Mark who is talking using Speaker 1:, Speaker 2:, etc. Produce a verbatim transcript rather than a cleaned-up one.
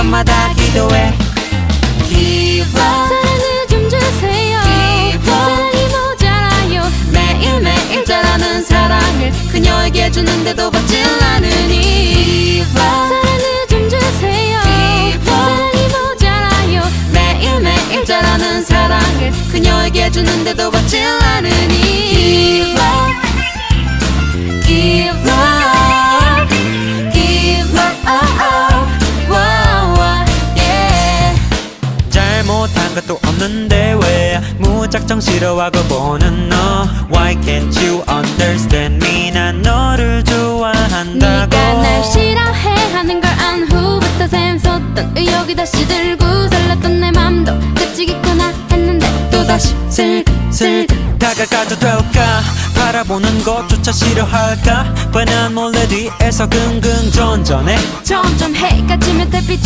Speaker 1: 밤마다 기도해. Give up.
Speaker 2: 사랑을 좀 주세요.
Speaker 1: Give up.
Speaker 2: 사랑이 모자라요.
Speaker 1: 매일매일 자라는 사랑을 그녀에게 주는데도 받질 않으니. Give up.
Speaker 2: 사랑을 좀 주세요.
Speaker 1: Give up.
Speaker 2: 사랑이 모자라요.
Speaker 1: 매일매일 자라는 사랑을 그녀에게 주는데도 받질 않으니. Give up. Give up. Give up. Oh, oh. Wow, wow, yeah. 잘못한 것도 없는데 왜 무작정 싫어하고 보는 너. Why can't you understand me? 난 너를 좋아한다고.
Speaker 2: 네가 날 싫어해 하는 걸 안 후부터 샘솟던 의욕이 다시 들고 설렜던 내 맘도 끝이겠구나 했는데
Speaker 1: 또다시 슬슬 다가가도 될까. 바라보는 것조차 싫어할까. 뻔한 몰래 뒤에서 긍긍 전전해.
Speaker 2: 점점 해가 지면 달빛